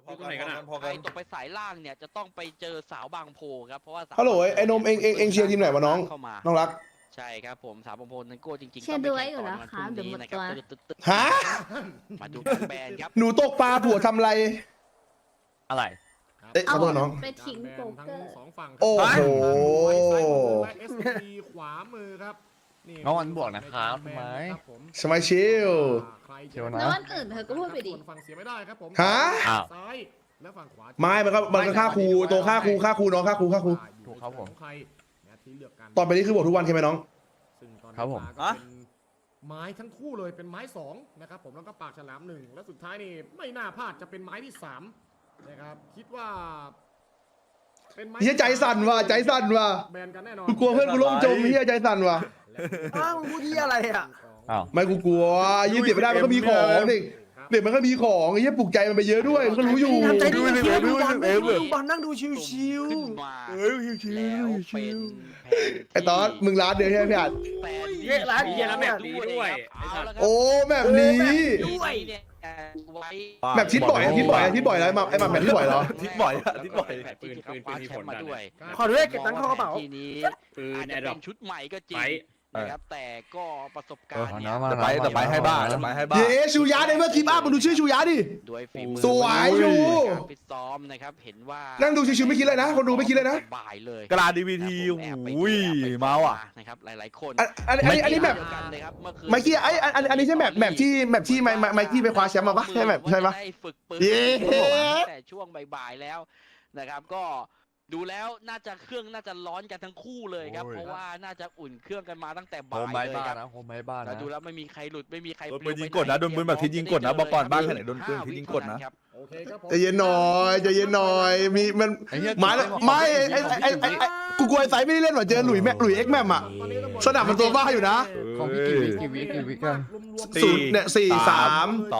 อยู่ตรงไหนกันอ่ะใครตกไปสายล่างเนี่ยจะต้องไปเจอสาวบางโพครับเพราะว่าสาวฮัลโหลไอ้นมเองเชียร์ทีมไหนวะน้องเข้ามาน้องรักใช่ครับผมสาวบางโพนันโก้จริงๆเชียร์ด้วยอยู่แล้วครับต้องไปแข่งต่อในวันพรุ่งนี้นะครับเดี๋ยวหมดตัวตึ๊ดฮะๆมาดูการแบนครับหนูตกปลาผัวทำไรอะไรเอ๊ะขอโทษน้องไปทิ้งโป๊กเกอร์สองฝั่งโอ้โหและ SCP ขวามือครับน้องวันบวกนะครับทำไมสมัยชิลเชียวนะแล้ววันอื่นเธอก็พูดไปดิฝั่งเสียไม่ได้ครับผมฮะอ้าวซ้ายและฝั่งขวาไม่มันก็ฆ่าครูตัวฆ่าครูน้องฆ่าครูถูกครับผมใครนะที่เลือกกันตอนไปนี่คือบททุกวันใช่ไหมน้องซึ่งตอนนี้ครับผมก็เป็นไม้ทั้งคู่เลยเป็นไม้สองนะครับผมแล้วก็ปากฉลามหนึ่งและสุดท้ายนี่ไม่น่าพลาดจะเป็นไม้ที่สามนะครับคิดว่าเป็นไม้เฮียใจสั่นว่ะใจสั่นว่ะแบนกันแน่นอนกูกลัวเพื่อนกูล่มจมเฮียใจสั่นว่ะอ้าวพูดที่อะไรอ่ะอ้าวไม่กูกลัวยี่สิบไม่ได้มันก็มีของเด็กมันก็มีของไอ้เหี้ยปลุกใจมันไปเยอะด้วยมันก็รู้อยู่ทำใจดีๆดูบอลดูบอลนั่งดูชิวขึ้นมา แล้วเป็นแผนไอ้ตอนมึงร้านเดียวใช่ไหมพี่อัดแฟนเย้ร้านเหี้ยแล้วแบบนี้ด้วยเอาละครับโอ้แบบนี้ด้วยเนี่ยไว้แบบทิศบ่อยแล้วไอ้มาแบบทิศบ่อยเหรอทิศบ่อยอะทิศบ่อยแผนที่เขาคว้าแชมป์มาด้วยๆขอด้วยเก็บตังค์เข้ากระเป๋าทีนี้ปืนอาจแอจะร์ดรเป็อปนชุดใหม่ก็จริงไปนะครับแต่ก็ประสบการณ์เนี่ยแต่ไปให้บ้าแต่ไปให้บ้าเย้ชูยาในเมื่อกี้บ้ามึงดูชื่อชูยาดิด้วยฝีมือสวยอยู่การฟิตซ้อมนะครับเห็นว่านั่งดูชิวๆไม่คิดเลยนะคนดูไม่คิดเลยนะบ่ายเลยกระดาษดีวีทีแอบไปอุ้ยแอบไปเมาอ่ะนะครับหลายๆคนอันนี้แบบเดียวกันเลยครับเมื่อคืนไมค์กี้อันนี้ใช่แบบที่ไมค์กี้ไปคว้าแชมป์มาปะใช่แบบใช่ปะได้ฝึกปืนเย้ตั้งแต่ช่วงบ่ายๆแล้วนะครับก็ดูแล้วน่าจะเครื่องน่าจะร้อนกันทั้งคู่เลยครับโอ้ยเพราะว่าน่าจะอุ่นเครื่องกันมาตั้งแต่โฮบ่ามไม้ยเลยบ้าครับนะโฮมไม้บ้าแต่นะดูแล้วไม่มีใครหลุดไม่มีใครโดนปืนยิงกดนะโดนปืนแบบที่ยิงกดนะบอกก่อนบ้านแค่ไหนโดนปืนที่ยิงกดนะโอเคครับผมใจเย็นหน่อยใจเย็นหน่อยมีมันไอ้เหี้ยไม่ไอ้กูกลัวไอ้ไซไม่ได้เล่นว่ะเจอหลุยเอ็กแมมอ่ะ สนับมันตัวบ้าอยู่นะของพี่กี่วิกันศูนย์เนี่ย4 3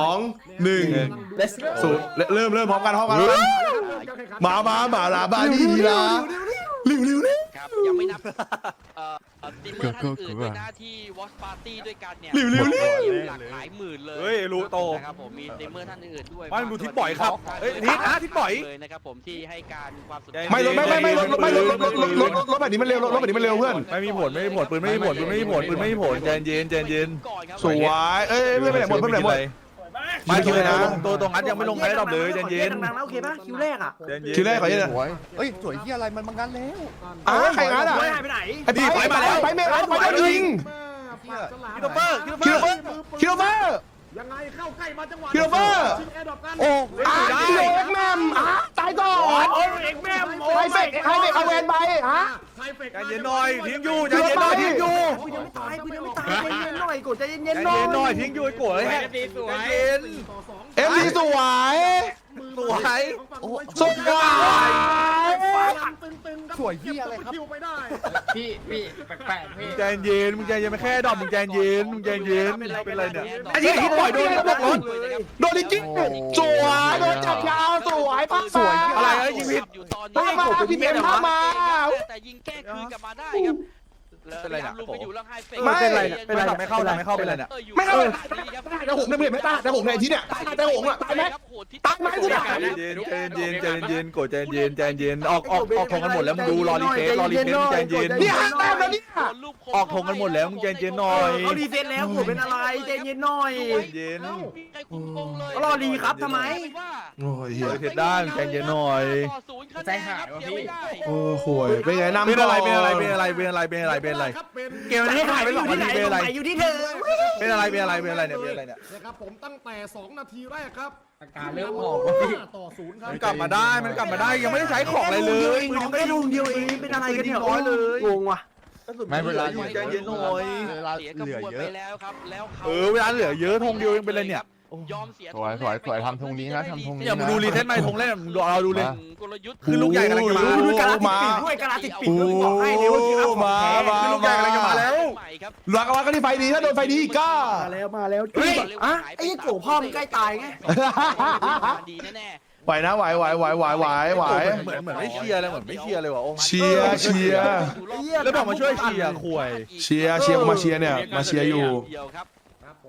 2 1 let's go ศูนย์เริ่มพร้อมกันมาลาบาดีละเร็วนี่ครับยังไม่นับสตรีมเมอร์ท่านอื่นด้วยนะที่ Watch Party ด้วยกันเนี่ยเร็วหลักหลายหมื่นเลยเฮ้ยรู้โตนะครับผมมีสตรีมเมอร์ท่านอื่นด้วยบ้านดูทิศบ่อยครับเอ้ยทิศทิศบ่อยเลยนะครับผมที่ให้การความสนใจไม่รถแบบนี้มันเร็วรถแบบนี้มันเร็วเพื่อนไม่มีผลปืนไม่มีผลใจเย็นก่อนครับสวยเอ้ยเพื่อนไปไหนหมดเพื่อนไปไหนหมดไม่คิดเลยนะตัวงัดยังไม่ลงไงดอกเลยใจเย็นดังๆนะโอเคป่ะคิวแรกอ่ะคิวแรกขอเย็นสวยเฮ้ยสวยที่อะไรมันงันแล้วใครงั้นอ่ะไม่หายไปไหนไปเมย์ไปยิงคิโลเปอร์คิโลเฟอร์ยังไงเข้าใกล้มาจังหวะคิโลเฟอร์ชิงแอร์ดรอปกันโอ้คิโลเอ็กแมมตายก่อนโอ้ยเอกแม่โอ้ไฮยเฟกเอาแวนไปฮะไฮเฟกใจเย็นหน่อยทิ้งอยู่ใจเย็นหน่อยทิ้งอยู่กูยังไม่ตายใจเย็นๆหน่อยกดใจเย็นใจๆหน่เย็นหน่ออย ยทิ้งอยู่ไอ้โกรธใจเย็นต่อสองเอ็มดีสวยสวยสุดยอดตึงๆครับสวยเหี้ยอะไรครับคิวไปได้พี่แปลกๆพี่ใจเย็นมึงใจเย็นไม่แค่ดอกมึงใจเย็นเป็นไรเนี่ยไอ้ที่ปล่อยโดนระบบรถโดนจริงสวยโดนจับยาวสวยป้าสวยอะไรยิงผิดอยู่ตอนป้านี้มาพี่เอ็มป้ามาแต่ยิงแก้คืนกลับมาได้ครับเป็นไรนะลุมไปอยู่แล้วไฮเฟกไม่เป็นไรไม่เข้าเป็นไรเนี่ยไม่เข้าแต่ผมเนี่ยไม่ตายแต่ผมในที่เนี่ยแต่ผมอ่ะตายไหมตายไหมกูถามใจเย็นโกรธใจเย็นออกทงกันหมดแล้วมึงดูรอรีเฟซใจเย็นนี่ห้าแต้มแล้วเนี่ยออกทงกันหมดแล้วมึงใจเย็นหน่อยเอาดีเฟนแล้วกูเป็นอะไรใจเย็นหน่อยเย็นรอดีครับทำไมโอ้ยเฮียเทด้านใจเย็นหน่อยใจหายวะพี่โอ้โหเป็นไงนำเป็นอะไรครับเกมนี้หายไปอยู่ที่ไหนตรงไหนอยู่ที่เธอเป็นอะไรเนี่ยนะครับผมตั้งแต่ 2 นาทีแรกครับอาการเริ่มออกว่ะพี่ต่อ0ครับมันกลับมาได้ยังไม่ได้ใช้ของอะไรเลยน้องไม่ได้ลงเดียวเองเป็นอะไรกันเนี่ยน้อยเลยงงว่ะไม่เวลาอยู่ใจเย็นหน่อยเสียกระบวนไปแล้วครับแล้วเขาเวลาเหลือเยอะธงเดียวยังเป็นไรเนี่ยยอมเสียสวยทำธงนี้นะทำธงนี้อย่ามึงดูรีเซ็ตไหมธงแรกมึงเราดูเลยกลยุทธ์คือลูกใหญ่กำลังจะมาด้วยกาลาติดปีกด้วยกาลาติดปีกด้วยบอกให้เลยว่าคืออัพของแท้คือลูกใหญ่กำลังจะมาแล้วใหม่ครับรักกันที่ไฟดีถ้าโดนไฟดีก็มาแล้วเฮ้ยอะไอ้โกพ่อมึงใกล้ตายไงดีแน่ไหวนะไหวเหมือนไม่เชียร์เลยเหมือนไม่เชียร์เลยว่ะโอ้เชียร์แล้วบอกมาช่วยเชียร์คุยเชียร์มาเชียร์เนี่ยมาเชียร์อยู่เดียวครับครับผม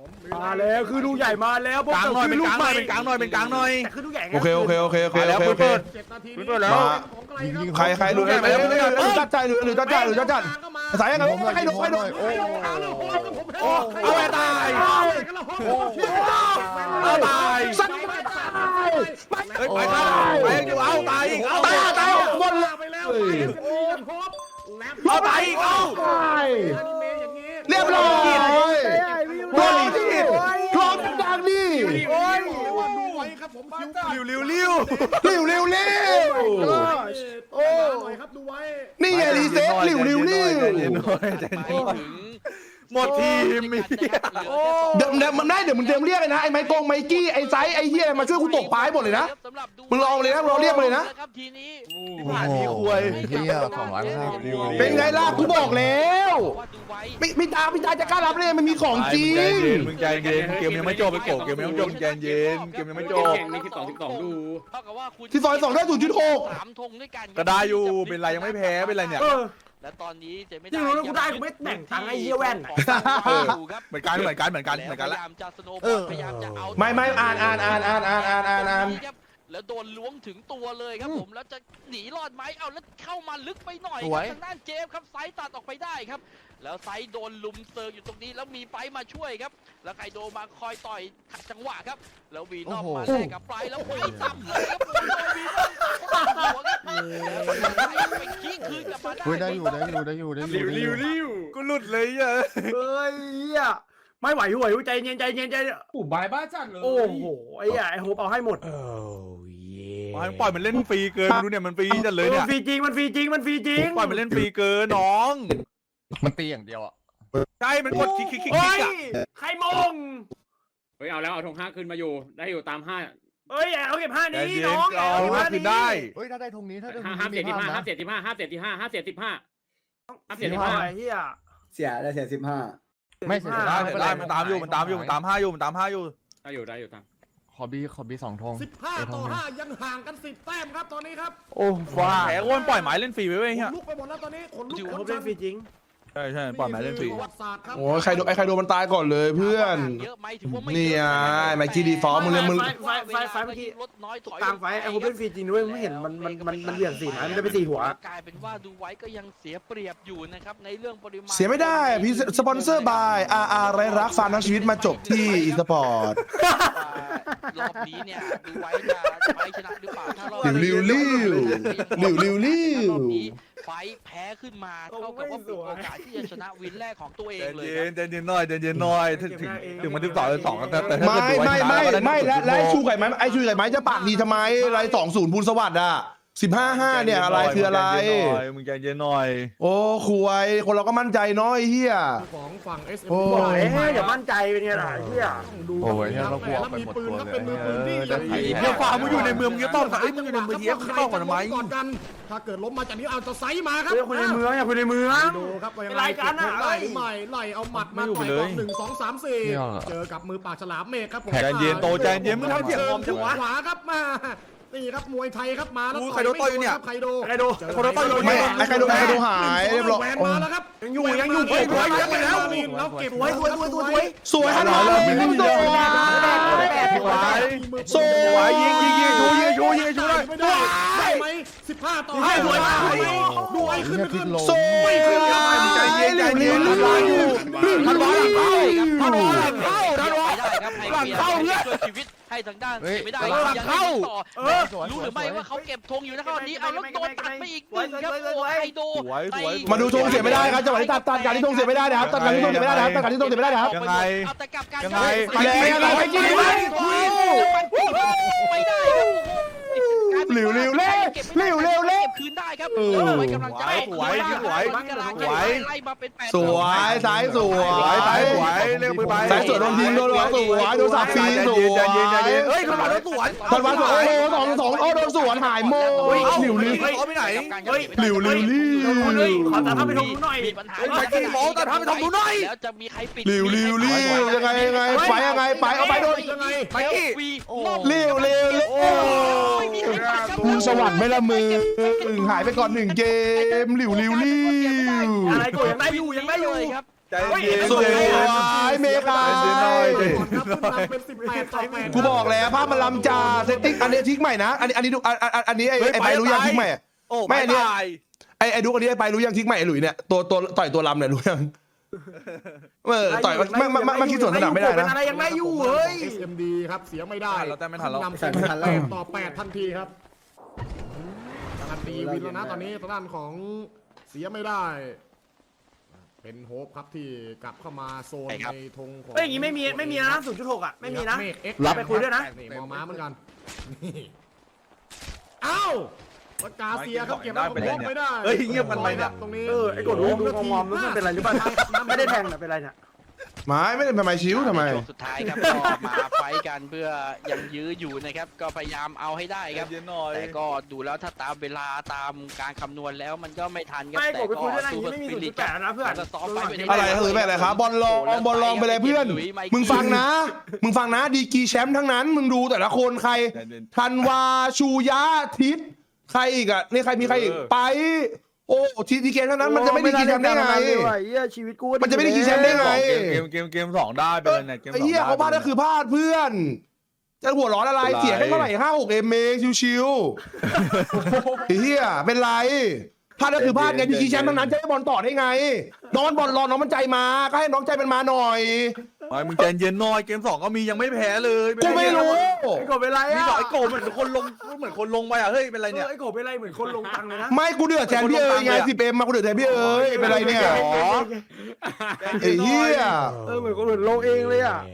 มาแล้วคือลูกใหญ่มาแล้วพวกกลางหน่อยเป็นกลางหน่อยเป็นกลางหน่อยเป็นกลางหน่อยแต่คือลูกใหญ่โอเคโอเคโอเคโอเคโอเคโอเค 7 นาทีเปินี้ดแล้วของไกลครับใครดูหรือจัดใจหรือจัดใจหรือจัดจัดสายยังไงใครดูใครดูเอาไปตายเอาตายสักเฮ้ยไปตายไปอยู่เอาตายอีกเอาตายหมดเลยไปแล้วเอาตายอีกเอาเรียบร้อยโดนผิดคลองดังนี่ดูไว้ครับผมคิวริวเร็วเร็วเร็วโอ้หน่อยครับดูไว้นี่ไงรีเซ็ตเร็วเร็วเร็วหมดทีมมีเดี๋ยวมันได้เดี๋ยวมึงเดิมเรียกเลยนะไอ้ไมค์ไมกี้ไอ้ไซไอ้เหี้ยมาช่วยกูตกปลาให้หมดเลยนะมึงลองเลยนะมึงลองเรียกมาเลยนะทีนี้ผ่านมีควยเฮีย250 เป็นไงล่ะกูบอกแล้วว่าดูไว้ไม่ตาจะกล้ารับเลยมันมีของจริงมึงใจเย็นเกมยังไม่จบไปโกเกมยังไม่จบใจเย็นเกมยังไม่จบแข่งมี12ดูเท่ากับว่าคุณที่ซอย2ได้ 0.6 3 ธงด้วยกันก็ได้อยู่เป็นไรยังไม่แพ้เป็นไรเนี่ยและตอนนี้จะไม่จริงรู้แล้วกูได้กูไม่แบ่งตังค์ไอ้เหี้ยแว่นเหมือนกันเหมือนกันพละยายามจะสโนว์บอลพยายามจะเอาไม่อ่านแล้วโดนล้วงถึงตัวเลยครับผมแล้วจะหนีรอดไหมเอาแล้วเข้ามาลึกไปหน่อยสวยทางด้านเจฟครับไซส์ตัดออกไปได้ครับแล้วไซส์โดนลุมเซิร์ฟอยู่ตรงนี้แล้วมีไฟมาช่วยครับแล้วไคโดมาคอยต่อยขัดจังหวะครับแล้ววีนอมมาแลกกับไฟแล้วไฟซ้ำเลยครับผมโดนวีนอมหัวครับแล้วไปขี้คืนกลับมาได้เฮ้ยได้อยู่กูหลุดเลยอ่ะเฮ้ยไม่ไหวใจเย็นโอ้บายบ้าจัดเลยโอ้โหไอ้ไอ้โฮปเอาให้หมดปล่อยมันเล่นฟรีเกินดูเนี่ยมันฟรีจัดเลยเนี่ยมันฟรีจริงปล่อยมันเล่นฟรีเกินน้องมันตีอย่างเดียวอ่ะใช่มันกดคลิกเฮ้ยอ่ะใครมงเฮ้ยเอาแล้วเอาธง5ขึ้นมาอยู่ได้อยู่ตาม5 เฮ้ยเอาเก็บ5 ใจนี้เย็น้นองเอามาคืนได้เฮ้ยถ้าได้ตรงนี้ถ้าได้ตรง 5 นี้ 7 15 นะ 5 7 15 5 7 15 5 7 15 5 7 15ไอ้เหี้ยเสียได้เสีย15 ไม่เสร็จได้มันตามอยู่มันตาม5อยู่ได้อยู่ตามขอบี2 ธง 15-5ยังห่างกัน10 แต้มครับตอนนี้ครับโอ้ฟ้าแพ้อ้วนปล่อยหมายเล่นฟรีไว้เว้ยขเฮีนยลุกไปหมดแล้วตอนนี้ขนลุกโฮปเล่นฟรีจริงใช่ปล่อยหมายเล่นฟรีประวัติศาสตร์ครับโอ้ยใครโดนมันตายก่อนเลยเพื่อนเยอะไหมถือว่าไม่นี่เยอะไงไมค์กี้ดีฟอร์มมึงเลยมึงไฟเมื่อกี้ลดน้อยถอยกลางไฟไอ้โฮปเล่นฟรีจริงด้วยไม่เห็นมันเหวี่ยง4 ไม้มันได้ไป4 หัวกลายเป็นว่าดูไว้ก็ยังเสียเปรียบอยู่นะครับในเรื่องปริมาณเสียไม่ได้พี่สปอนเซอร์บายไรรักฟาร์มทั้งชีวิตมาจบที่อีสปอร์ตรอบนี้เนี่ยดูไว้จะไฟชนะหรือเปล่าถ้ารอบริวรอบนี้ไฟแพ้ขึ้นมาเท่ากับว่าเป็นโอกาสที่จะชนะวินแรกของตัวเองเลยครับใจเย็นหน่อยถึงมัน12แต่ถ้าไม่และไอ้ชูไก่ไม้จะปากดีทำไมไร20พูนสวัสดิ์อ่ะ15-5เนี่ยอะไรคืออะไรมึงใจเย็นหน่อยโอ้ควยคนเราก็มั่นใจน้อยเฮียของฝั่ง SM โอ้บอกอย่ามั่นใจเป็นไงล่ะไอ้เหี้ยดูโอ้ยคเรารับกลัวแล้วไปมีหมดปืนตัวครับเลเป็นมือปืนที่ยยังเฮียฝ่ามึงอยู่ในเมืองมึงจะต้องมึงอยู่ในเมืองเฮียมึงต้องก่อนทำไมก่อนกันถ้าเกิดล้มมาจากนี้เอาจะไซส์มาครับเฮ้ยคนในเมืองอย่าคนในเมืองดูครับว่ายังเป็นรายการอะไล่หรือไม่ไล่เอาหมัดมาต่อยก่อน1 2 3 4เจอกับมือปากฉลามเมฆครับผมใจเย็นโตใจเย็นมึงทำเสียงงอมจังวะขวาครับมานี่ครับมวยไทยครับมาแล้วใครโดนต่อยอยู่เนี่ยใครโดนใครโดนคนละต่อยอยู่ไม่ไอ้ใครโดนหายเรียบร้อยแหวนมาแล้วครับยังอยู่เฮ้ยสวยไปแล้วแล้วเก็บสวยสวยฮัลโหลไม่โดนสวยยิงชูเลยได้ไหม15-5สวยมากดูไอ้ขึ้นไปขึ้นสวยใจเย็นใจเย็นทันวาหลังเข้าทันวาหลังเข้าหลังเข้าเนี่ยช่วยชีวิตให้ทางด้านเสียไม่ได้ยังเข้าต่อรู้หรือไม่ว่าเขาเก็บธงอยู่นะครับวันนี้เอาแล้วโดนตัดไปอีก1ครับโอ้ไฮโดมาดูธงเสียไม่ได้ครับจังหวะที่ตัดการที่ธงเสียไม่ได้นะครับตัดการที่ธงเสียไม่ได้นะครับตัดการที่ธงเสียไม่ได้นะครับยังไงเอาแต่กลับกันยังไงไปอะไรไปกินไปไม่ได้เร็วเร็วเร็วเร็วเร็วเร็วเก็บคืนได้ครับไว้กำลังจะไล่มาเป็น8 สวยสายสวยเร็วไปสายสวยโดนยิงโดนหัวสวยโดนสับฟรีสวยใจเย็นเฮ้ยขนาดแล้วสวนตอนวันสวยโอ้โห2-2โอ้โดนสวนหายโม่หลิวลิวเอาไปไหนหลิวลิวลิวขอตาทำไปทงหน่อยมีปัญหา แล้วจะมีใครปิดหลิวลิวลิวยังไงไปยังไงไปเอาไปโดนยังไงไปวีเร็วเร็วเร็วมึงสวัสดิ์ไม่ละมือหายไปก่อน1 เกมหลิวลิวลิวอะไรกูยังได้อยู่ครับใใจเย็นสวยเมกาใจเย็นหน่อยก่อนครับขึ้นนำเป็น18-8 กูบอกแล้วภาพมันล้ำจ่าเซตติ้งอันนี้ทิ้งใหม่นะอันนี้ดูอันนี้ไอ้ไปรู้ยังทิ้งใหม่โอ้ไม่ไม่อันนี้ตายไอ้ดูอันนี้ไอ้ไปรู้ยังทิ้งใหม่ไอ้หลุยเนี่ยตัวต่อยตัวลำเนี่ยรู้ยังต่อยมันคิดส่วนสนามไม่ได้นะอะไรยังไงอยู่เฮ้ย SMD ครับเสียไม่ได้เราแต่ไม่ทันแล้วนำเป็น8-8ทันทีครับการันตีวินแล้วนะตอนนี้ทางด้านของเสียไม่ได้ เป็นโฮปครับที่กลับเข้ามาโซนในธงของเฮ้ยอย่างงี้ไม่มีนะ0.6อ่ะไม่มีนะเมฆ X รับไปคุยด้วยนะนี่มอม้าเหมือนกันนี่เอ้าปากกาเสียครับเก็บแล้วก็บล็อกไม่ได้เฮ้ยเงียบกันไปเนี่ยตรงนี้ไอ้กดรู้ดูงอมๆรู้มันเป็นไรหรือเปล่าไม่ได้แทงแต่เป็นไรเนี่ยไม่ได้ทำไมชิวทำไมช่วงสุดท้ายครับก็มาไฟท์กันเพื่อยังยื้ออยู่นะครับก็พยายามเอาให้ได้ครับเย็นหน่อยแต่ก็ดูแล้วถ้าตามเวลาตามการคำนวณแล้วมันก็ไม่ทันครับไม่แต่กดไปคุยด้วยนะซูเปอร์ไม่สมีปิริต 0.8นะเพื่อนจะซ้อมไปเป็นอะไรคือแบบอะไรครับบอลลองไปเลยเพื่อน มึงฟังนะดีกรีแชมป์ทั้งนั้นมึงดูแต่ละคนใครธันวาชูยะทิศใครอีกอ่ะนี่ใครมีใครอีกไปโอ้ทีดีเกมเท่านั้นมันจะไม่ได้กินแชมป์ได้ไงชีวิตกูมันจะไม่ได้กินแชมป์ได้ไงเกม2ได้ไปเลยเนี่ยเกมไอ้ 2 เหี้ยเขาพลาดก็คือพลาดเพื่อนจะหัวร้อนอะไรเสียแค่เท่าไหร่5-6เอ็มเองชิวๆไอ้เหี้ยเป็นไรพลาดก็คือพลาดไงดีกรีแชมป์ทั้งนั้นจะให้บอลต่อได้ไงน้องบอลรอน้องมันใจมาก็ให้น้องใจมันมาหน่อยมึงใจเย็นหน่อยเกม2ก็มียังไม่แพ้เลยกูไม่รู้ไอ้กดเป็นไรมีอ่ะสองไอ้โกเหมือนคนลงไปอ่ะเฮ้ยเป็นไรเนี่ยไอ้กดเป็นไรเหมือนคนลงตังเลยนะไม่กูเดือดแทนพี่เอ๋ยไง10Mมากูเดือดแทนพี่เอ๋ยเป็นไรเนี่ยไอ้เหี้ยเหมือนคนอื่นลงเองเลยอ่ะ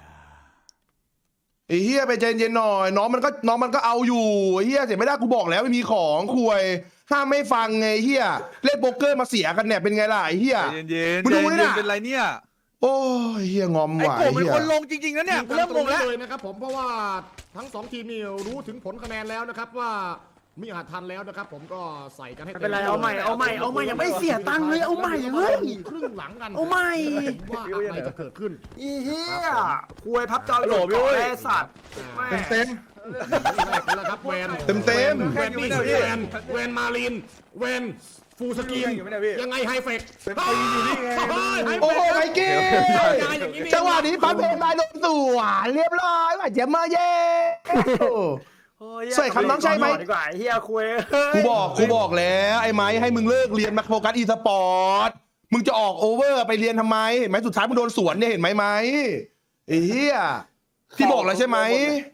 ไอ้เหี้ยไปใจเย็นหน่อยน้องมันก็เอาอยู่ไอ้เหี้ยเสียไม่ได้กูบอกแล้วไม่มีของคุยห้ามไม่ฟังไงเหี้ยเล่นโป๊กเกอร์มาเสียกันเนี่ยเป็นไงล่ะไอ้เหี้ยใจเย็นมึงดูนี่น่ะเป็นไรเนี่ยโอ้ยเหี้ยงอมไอ้ว่ะโกไอ้เป็นเหี้ยคนลงจริงๆนะเนี่ยเริ่มงงแล้วเลยนะครับผมเพราะว่าทั้ง2ทีมนี่รู้ถึงผลคะแนนแล้วนะครับว่ามีอาจทันแล้วนะครับผมก็ใส่กันให้ไม่เป็นไรเอาใหม่ยังไม่เสียตังค์เลยเอาใหม่เฮ้ยครึ่งหลังกันเอาใหม่ว่าอะไรจะเกิดขึ้นอีเหี้ยคุยพับจอหลุดก่อนไอ้สัตว์เต็มแล้วครับแวนเต็มแวนนี่คือแวนมาลินแวนฟูสกีนยังไงไฮเฟกโอ้โหไมเก้จังหวะนี้ปั๊บเพลงมาโดนสวนเรียบร้อยว่าเจ็บมาเย่ใส่คำน้องใช่ไหมดีกว่าเฮียคุยกูบอกแล้วไอ้ไม้ให้มึงเลิกเรียนมาโฟกัสอีสปอร์ตมึงจะออกโอเวอร์ไปเรียนทำไมเห็นไหมสุดท้ายมึงโดนสวนเนี่ยเห็นไหมไอ้เหี้ยที่บอกแล้วใช่ไหม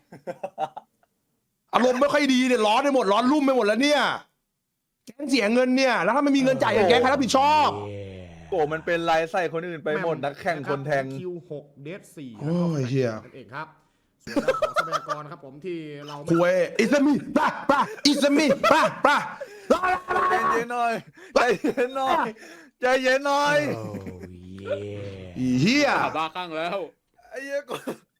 อารมณ์ไม่ค่อยดีเนี่ยร้อนไปหมดร้อนรุ่มไปหมดแล้วเนี่ยแก๊งเสียเงินเนี่ยแล้วถ้าไม่มีเงินจ่ายแก๊งใครรับผิดชอบโกมันเป็นไรใส่คนอื่นไปหมดนักแข่งคนแทงคิว6เดท4 โอ้ยเหี้ยนั่นเองครับส่วนของทรัพยากรครับผมที่เราคุยอิสมีป่ะอิสมีป่ะใจเย็นหน่อยใจเย็นหน่อยใจเย็นหน่อยอีเหี้ยบ้าข้างแล้วไอ้เหี้ยกู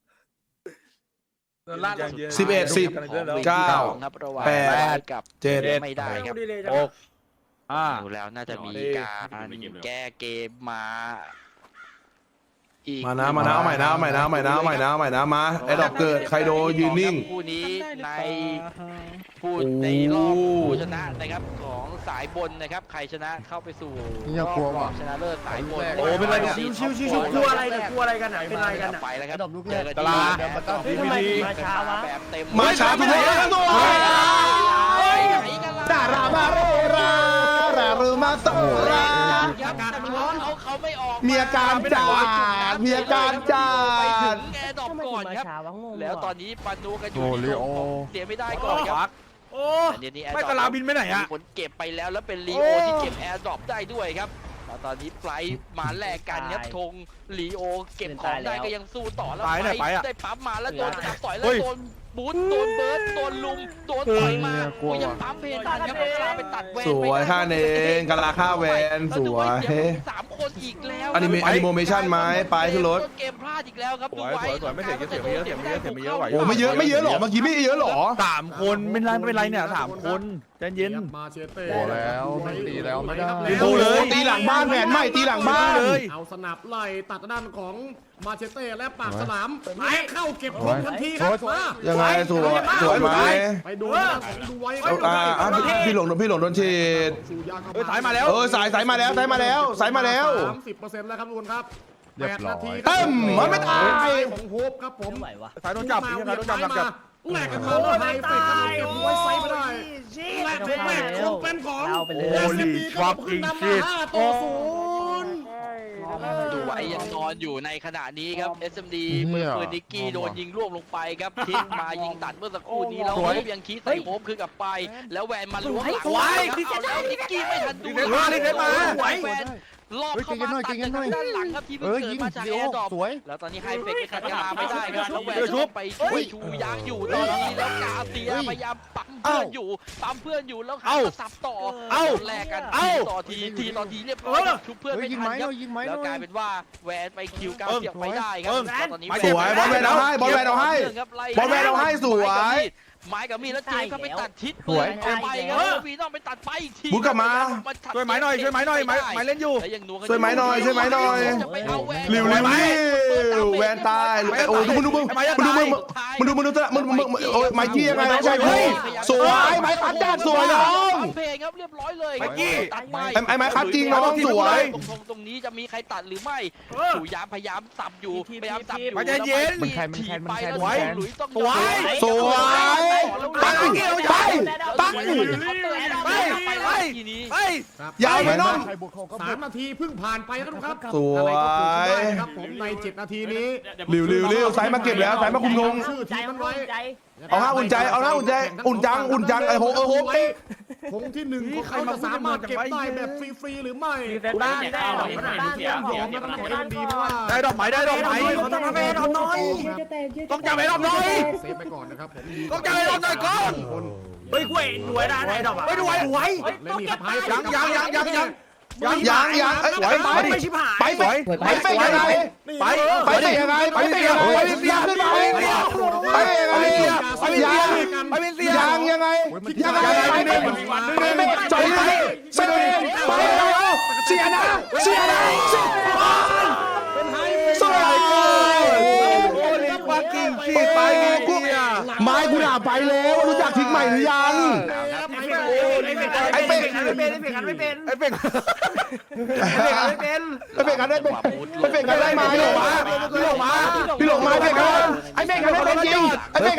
11 10 9 ครับระหว่าง 8 กับ 7 ไม่ได้ครับ 6 ดูแล้วน่าจะมีการแก้เกมมาอีกมานะเอาใหม่นะมาไอ้ดอกเกิดใครโดยืนนิ่งคู่นี้ในผู้ในรอบผู้ชนะนะครับของสายบนนะครับใครชนะเข้าไปสู่รอบรองชนะเลิศสายบนโอ้เป็นไรเนี่ยชิวกลัวอะไรกันเป็นไรกันอ่ะไปแล้วครับตลาดทำไมมาช้าวะแบบเต็มมาช้าทุกคนดารามาเรรารือมาโซราอากาศมันร้อนเขาไม่ออกมีอาการจาดไปถึงแอร์ดรอปก่อนครับแล้วตอนนี้ปานูกันอยู่ที่เสียไม่ได้ก่อนครับโอ้อันนี้ไม่ตลาดบินไปไหนอะมีคนเก็บไปแล้วแล้วเป็นลีโอที่เก็บแอร์ดรอปได้ด้วยครับแล้วตอนนี้ไฟล์มาแลกกันครับธงลีโอเก็บของได้ก็ยังสู้ต่อแล้วไฟล์ได้ปั๊มมาแล้วโดนจับต่อยแล้วโดนบูทโดนเบิร์ดโดนลุมโดนต่อยมาก็ยังปั๊มเพนทันครับกลาไปตัดแวนสวยค่าเองกะลาค่าแวนสวย 3 คนอีกแล้วอนิโมเมชั่นไหมไปขึ้นรถเกมพลาดอีกแล้วครับสวยไม่เสียเยอะไหวโอ้ไม่เยอะหรอเมื่อกี้ไม่เยอะหรอ 3 คนไม่เป็นไรเนี่ย3 คนใจเย็นมาเชเต้พอแล้วไม่ตีแล้วไม่ได้โอ้เลยตีหลังบ้านแผนใหม่ตีหลังบ้านเลยเอาสนับไล่ตัดด้านของมาเชเต้และปากสนามไม้เข้าเก็บของทันทีครับมายังไงสวยไหมไปดูนะของดูไว้พี่หลงโดนฉีดสายมาแล้วสายมาแล้ว 30%แล้วครับทุกคนครับเรียบร้อย 8 นาทีเต็มมันไม่ตายของโฮปครับผมสายโดนจับสายโดนจับจับแหลกกันมาแล้วไฮเฟกกันเก็บไว้ไซส์ไม่ได้แหลกของแรกคงเป็นของ SMD ครับขึ้นนำมา5-0 ดูไว้ยังนอนอยู่ในขณะนี้ครับ SMD มือปืนนิกกี้โดนยิงร่วงลงไปครับทิศมายิงตัดเมื่อสักครู่นี้แล้วโฮปยังคีใส่โฮปคือกลับไป แล้วแวนมาล้วงหลังเอาแล้วนิกกี้ไม่ทันดูแวนรอบเข้ามาตัดจากด้านหลังครับที่เพิ่งเกิดมาจากแอร์ดรอปแล้วตอนนี้ไฮเฟกไปขัดกลาไม่ได้ครับแล้วแวนไปช่วยชูยางอยู่ตอนนี้แล้วกาเซียพยายามปั๊มเพื่อนอยู่แล้วหันมาสับต่อแลกกันต่อทีต่อทีเรียบร้อยชุบเพื่อนไม่ทันครับแล้วกลายเป็นว่าแวนไปคิวกาเซียไม่ได้ครับตอนนี้สวยบอลแวนเอาให้สวยไม้กับมีแล้วเจมก็ไปตัดทิศไปครับวีต้องไปตัดไปอีกทีบุกกลับมาช่วยไม้หน่อยไม้เล่นอยู่ช่วยไม้หน่อยริวแวนตายโอ้มึงดูโอ้ยไม้กี้ยังไงใช่พี่สวยไม้คัดแดดสวยน้องเพลงครับเรียบร้อยเลยตัดไปไอ้ไม้คัดจริงน้องสวยตรงนี้จะมีใครตัดหรือไม่สุยามพยายามสับอยู่ไปแล้วหลุยต้องสวยปังยาวไปน้อง 3 นาทีเพิ่งผ่านไปครับสวยครับผมใน7 นาทีนี้ริวสายมาเก็บแล้วสายมาคุมธงชื่อทีมมันไว้เอาหน้าอุ่นใจอุ่นจังไอ้โหโฮปธงที่1ของเขาจะสามารถเก็บได้แบบฟรีๆหรือไม่บ้านได้ยอมนะครับขอให้ดีเพราะว่าได้ดอกไม้เขาต้องทำให้ดอกน้อยต้องจับให้ดอกน้อยเซฟไปก่อนนะครับผมต้องจับให้ดอกน้อยก่อนเฮ้ยกล้วยหน่วยได้ดอกอ่ะไม่ดูไว้เล่นนี่ครับไพ่ยังสวยไม่ชิบหายไปยังไงจอยเลยเสียนะสวยไม้กูด่าไปแล้วรู้จักทิ้งใหม่หรือยังไอ้เป็ดกันได้ไหมพี่หลงมาเป็ดกันไอ้เป็ดกันไม่เป็นจริงพี่หลง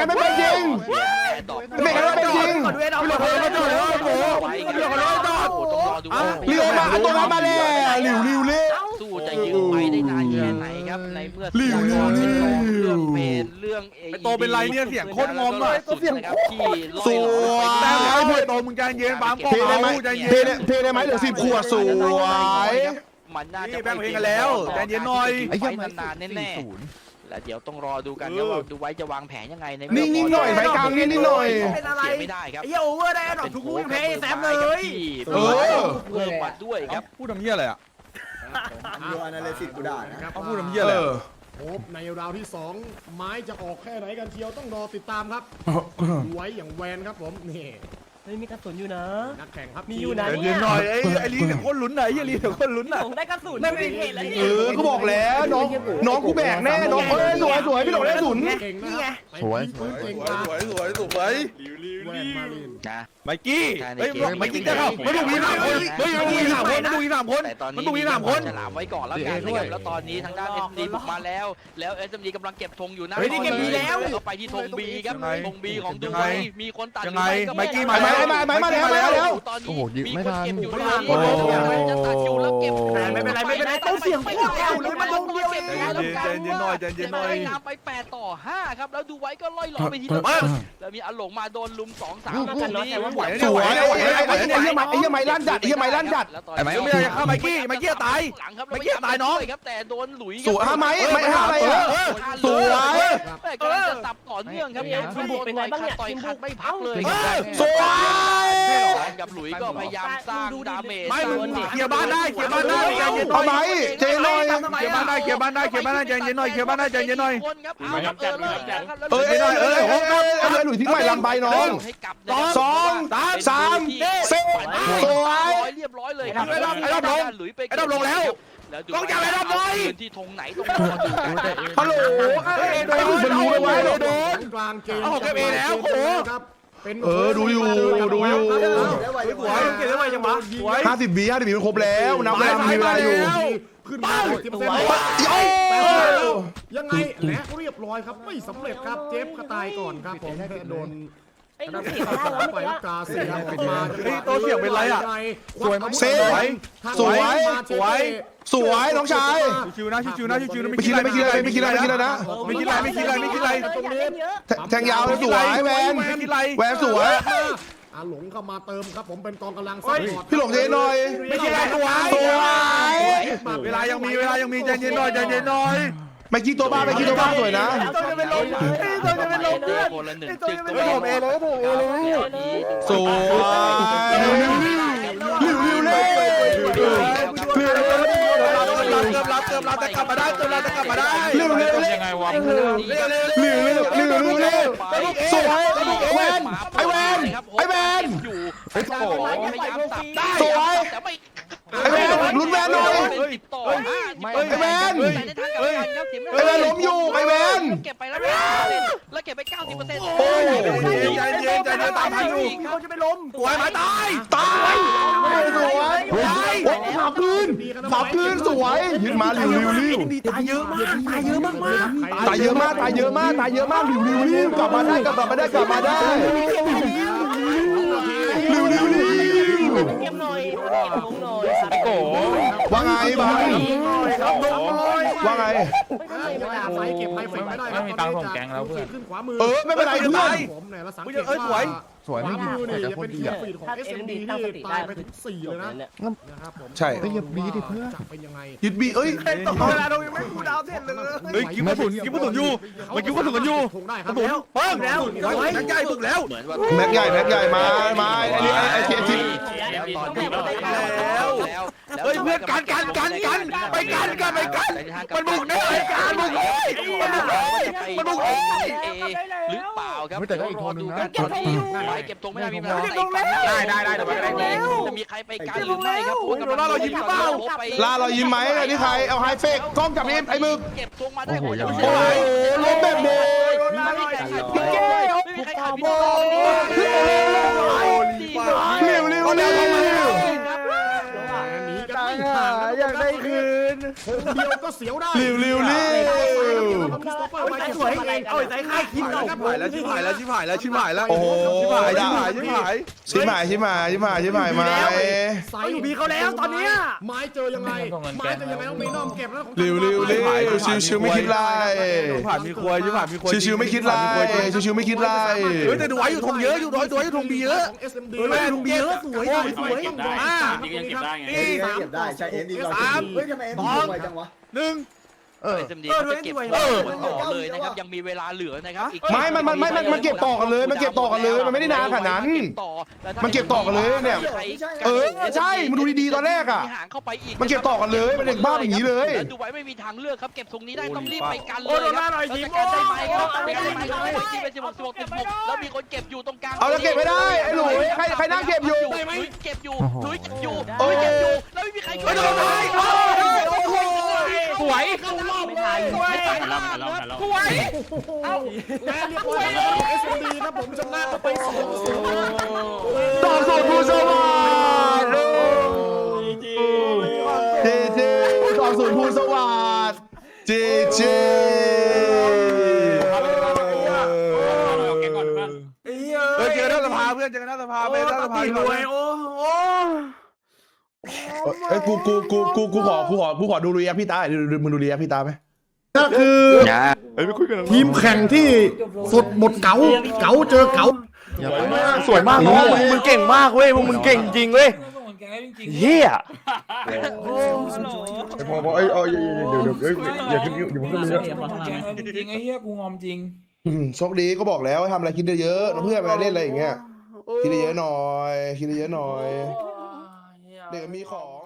มาตัวมาแล้วริวสู้จะยืมไปได้นานแค่ไหนครับในเมื่อเรื่องเป็นเรื่องโตเป็นไรเนี่ยเสียงโคตรงอมเลยเสียงที่สวยแต่ไอ้เพื่อนโตมึงใจเย็นบางปอเทได้ไหมเหลือ10 ขวดสวยมันน่าจะแบ่งเพลงกันแล้วใจเย็นหน่อยไอ้ยังนานแน่ๆและเดี๋ยวต้องรอดูกันนะว่าดูไว้จะวางแผนยังไงในนิ่งหน่อยไฟกลางนิ่งหน่อยเป็นอะไรไม่ได้ครับไอ้โอเวอร์ได้ดอกทุกลูกเพย์แซมเลยเพิ่มมาด้วยครับพูดทำเหี้ยอะไรอ่ะดูอนาลิซิสกูด่านะเขาพูดทำเหี้ยอะไรโฮปในราวที่2ไม้จะออกแค่ไหนกันเชียวต้องรอติดตามครับไว้อย่างแวนครับผมนี่มีกระสุนอยู่นะนักแข่งครับมีอยู่นะเย็นหน่อยไอ้ลีเดี๋ยวคนลุ้นไหนไอ้ลีเดี๋ยวคนลุ้นอ่ะผมได้กระสุนไม่มีเหตุแล้วนี่ก็บอกแล้วน้องกูแบกแน่น้องสวยพี่หลงได้ศูนย์เก่งนะครับเก่งมากสวยแวนมาลินนะไมกี้เฮ้ยไมกี้จะเข้ามันต้องมี3 คนเฮ้ยมันต้องมี3 คนแต่ตอนนี้จะหลามไว้ก่อนแล้วกันนะครับแล้วตอนนี้ทางด้าน SMD บุกมาแล้ว SMD กำลังเก็บธงอยู่นะก็ไปที่ธง B ครับธง B ของดูไว้มีคนตัดยังไงไมกี้มามาแล้วตอนนี้มีคนเก็บอยู่จะตัดอยู่แล้วเก็บไม่เป็นไรต้องเสียงโคตรแอลเลยมันลงเดียวเองใจเย็นหน่อยนำไป8-5ครับแล้วดูไว้ก็ล่อยหลอไปทีละแล้วมีอลงมาโดนลุม2-3ลูกนี้สวยไอ้เหี้ยไม้ลั่นจัดไอ้ไม้ไม่ได้เข้าไมกี้ตายหลังครับไมกี้ตายน้องครับแต่โดนหลุยสวยไม้อะไรสวยกำลังจะสับต่อเนื่องครับทีมบุกเป็นไงบ้างเนี่ยต่อยขัดไม่พักเลยสวยกับหลุยก็พยายามสร้างดาเมจไม่เคลียร์บ้านได้ใจเย็นหน่อยเอาไหมเจนหน่อยเคลียร์บ้านได้ใจเย็นหน่อยคนครับเอาครับหลุยทิ้งใหม่ลำใบน้อง2 3 4สวยเรียบร้อยเลยครับไอ้ดำลงแล้วแล้วดูกล้องจับไอ้ดำหน่อยพื้นที่ธงไหนตรงนี้ดูฮัลโหลไอ้มันรู้แล้วไว้โดนกลางเกมเอาเก็บเอแล้วโอ้โหครับเป็นดูอยู่แล้วไหวสวยเก็บได้ไวจังวะสวย 50 วิมันครบแล้วนับเวลามีเวลาอยู่ขึ้นมา10%ยังไงและเรียบร้อยครับไม่สำเร็จครับเจฟก็ตายก่อนครับผมโดนไอ้ลูกเสียได้แล้วไปเมื่อแล้วกี้กาเสียขึ้นมาเฮ้ยโต๊ะเสียงเป็นไรอะสวยสวยน้องชายชิวๆนะชิวๆนะชิวๆนะไม่คิดอะไรไม่คิดอะไรไม่คิดอะไรไม่คิดอะไรนะไม่คิดอะไรไม่คิดอะไรไม่คิดอะไรอยากเล่นเยอะแทงยาวสวยแวนไม่คิดอะไรแวนสวยหลงเข้ามาเติมครับผมเป็นกองกำลังซัพพอร์ตพี่หลงเทหน่อยไม่คิดอะไรสวยสวยเวลายังมีใจเย็นหน่อยใจเย็นหน่อยไม่คิดตัวบ้าไม่คิดตัวบ้าสวยนะต้องจะเป็นลมต้องจะเป็นลมเพื่อนคนละหนึ่งต้องจึกจะเป็นลมเอเลยผมเอเลยสวยริวเล่เกือบรับแต่กลับมาได้เกือบรับแต่กลับมาได้ริวเล่ยังไงวะริวเล่สวยแวนไอแวนไอแวนอยู่โอ้โหพยายามสับได้สวยแต่ไม่ไอแวนลุ้นแวนหน่อยเป็น10ต่อ5 ไอแวนแต่ในทางกลับกันครับเสียไม่ไอแวนล้มอยู่ไอแวนเก็บไปแล้วแล้วเก็บไป 90% โอ้ยใจเย็นตามทันอยู่เขาจะไม่ล้มสวยมาตายตายสวยขับคืนสวยยืนมาริวตายเยอะมากตายเยอะมากตายเยอะมากริวกลับมาได้ริวเก็บหน่อยเก็บลงหน่อยไอ้โกว่าไงบ้างว่าไงไฟเก็บไฮเฟกไม่ได้ไม่มีตังค์ส่งแกงแล้วเพื่อนขึ้นขวามือไม่เป็นไรเพื่อนผมเนี่ยแล้วสังเกตว่าสวยขไม่วาดีมือเนี่ยแต่จะคเป็น นดีทีมอ่ะฟีดของ SMD ที่ตายไปถึง4เลยนะครับผมใช่เฮ้ยอย่าบีดิเพื่อนจะเป็นยังไงยึดบีเอ้ยเวลาเรายังไม่กูดาวเสร็จเลยเฮ้ยกิ้วกระสุนอยู่มันกิ้วกระสุนกันอยู่คงได้คกรัระบสุนเปิ้งแล้วนักใหญ่ฝึกแล้วเหมือนว่าแม็กใหญ่มาไอ้นี่ไอ้ทีแล้วตอนนี้แล้วเฮ้ยเพื่อนกันไปกันมันบุกได้การบุกเลยมันบุกเลยหรือเปล่าครับแต่ก็อีกคนนึงนะเก็บธงไปเก็บธงไม่ได้มีเวลาจะมีใครไปกันหรือไม่ครับล่าเรายิ้มไหมนี่ใครเอาไฮเฟกกล้องจับนี่ไอ้มึกเก็บธงมาได้โอ้โหล้มแบบโบไม่มีใครขายพี่ไม่มีใครขายพี่เร็วหนีกันไม่ห่างอยากได้คืนเดียวก็เสียวได้เร็วสวยเองเอาใจค่ายคิดเอาชิบหายแล้วโอ้โหชิบหายชิมหายมาใส่อยู่บีเขาแล้วตอนนี้ไม้เจอยังไงต้องมีน้อมเก็บแล้วเร็วชิวไม่คิดไรผ่านมีควยชิวไม่คิดไรชิวไม่คิดไรเฮ้ยแต่ดูไว้อยู่ทงเยอะอยู่ดูไว้อยู่ทงบีเยอะของ SMD ดูไว้ทงบีเยอะสวยเก็บได้นี่ก็ยังเก็บได้ไงเก็บได้ใช่เอ็นดีเราเฮ้ยทำไมเอ็นดีไวจังวะหนึ่ง SMD จะเก็บต่อเลยนะครับยังมีเวลาเหลือนะครับไม่มันเก็บต่อกันเลยมันไม่ได้นานขนาดนั้นมันเก็บต่อกันเลยเนี่ยใช่มันดูดีๆตอนแรกอ่ะมันเก็บต่อกันเลยมันเด็กบ้าอย่างนี้เลยดูไว้ไม่มีทางเลือกครับเก็บตรงนี้ได้ต้องรีบไปกันเลยครับได้ไหมครับที่เป็น16แล้วมีคนเก็บอยู่ตรงกลางเอาแล้วเก็บไม่ได้ไอ้หลุยใครนั่งเก็บอยู่เก็บอยู่แล้วไม่มีใครช่วยสวยไม่ทันสวยและเรียบร้อยแล้ว SMD ครับผมชนะไป2-0 ต่อสูตรผู้สวัสดิ์เจต่อสูตรผู้สวัสดิ์เจเจอหน้าสภาเพื่อนเจอหน้าสภาไปหน้าสภารวยโอ้เอ้ยกูขอดูรีแอคพี่ตามึงดูรีแอคพี่ตาไหมก็คือทีมแข่งที่สดบทเก๋าเจอเก๋าสวยมากน้องมึงเก่งมากเว้ยมึงเก่งจริงเว้ยเฮียพอเดี๋ยวอย่าขึ้นอย่าขึ้นเลยจริงไอ้เหี้ยกูงอมจริงโชคดีก็บอกแล้วทำอะไรคิดเยอะๆเพื่อนเวลาเล่นอะไรอย่างเงี้ยคิดเยอะหน่อยเด็กมีของ